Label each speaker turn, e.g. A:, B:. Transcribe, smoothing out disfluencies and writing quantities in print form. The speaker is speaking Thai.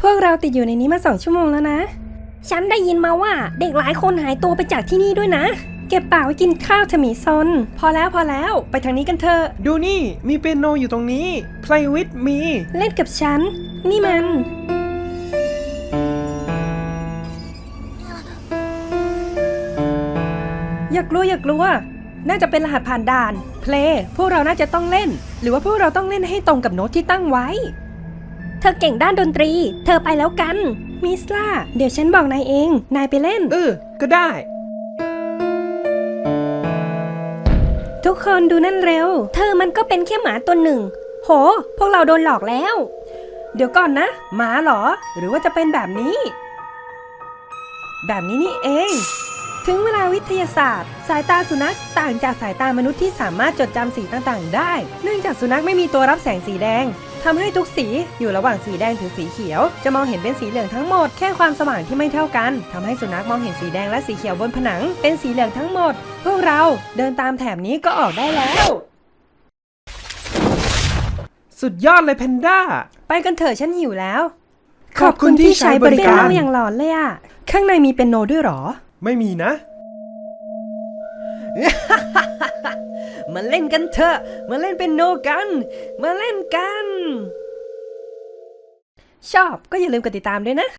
A: วกเราติดอยู่ในนี้มา2 ชั่วโมงแล้วนะฉันได้ยินมาว่าเด็กหลายคนหายตัวไปจากที่นี่ด้วยนะเก็บปากไว้กินข้าวเถอะหมีซนพอแล้วไปทางนี้กันเถอะ
B: ดูนี่มีเปียโนอยู่ตรงนี้ Play with me
A: เล่นกับฉันนี่มันอย่ากลัวน่าจะเป็นรหัสผ่านด่านเพลย์พวกเราน่าจะต้องเล่นหรือว่าพวกเราต้องเล่นให้ตรงกับโน้ตที่ตั้งไว้เธอเก่งด้านดนตรีเธอไปแล้วกันมิสล่าเดี๋ยวฉันบอกนายเองนายไปเล่น
B: ก็ได้
A: ทุกคนดูนั่นเร็วเธอมันก็เป็นแค่หมาตัวหนึ่งโหพวกเราโดนหลอกแล้วเดี๋ยวก่อนนะหมาเหรอหรือว่าจะเป็นแบบนี้นี่เองถึงเวลาวิทยาศาสตร์สายตาสุนัขต่างจากสายตามนุษย์ที่สามารถจดจำสีต่างๆได้เนื่องจากสุนัขไม่มีตัวรับแสงสีแดงทำให้ทุกสีอยู่ระหว่างสีแดงถึงสีเขียวจะมองเห็นเป็นสีเหลืองทั้งหมดแค่ความสว่างที่ไม่เท่ากันทำให้สุนัขมองเห็นสีแดงและสีเขียวบนผนังเป็นสีเหลืองทั้งหมดพวกเราเดินตามแถบนี้ก็ออกได้แล้ว
B: สุดยอดเลยแพนด้า
A: ไปกันเถอะฉันหิวแล้ว
B: ขอบคุณที่ใช้บริการ
A: เป็นเราอย่างหลอนเลยอะข้างในมีเปียโนด้วยหรอ
B: ไม่มีนะ
A: มาเล่นกันเถอะมาเล่นเปียโนกันมาเล่นกันชอบก็อย่าลืมกดติดตามด้วยนะ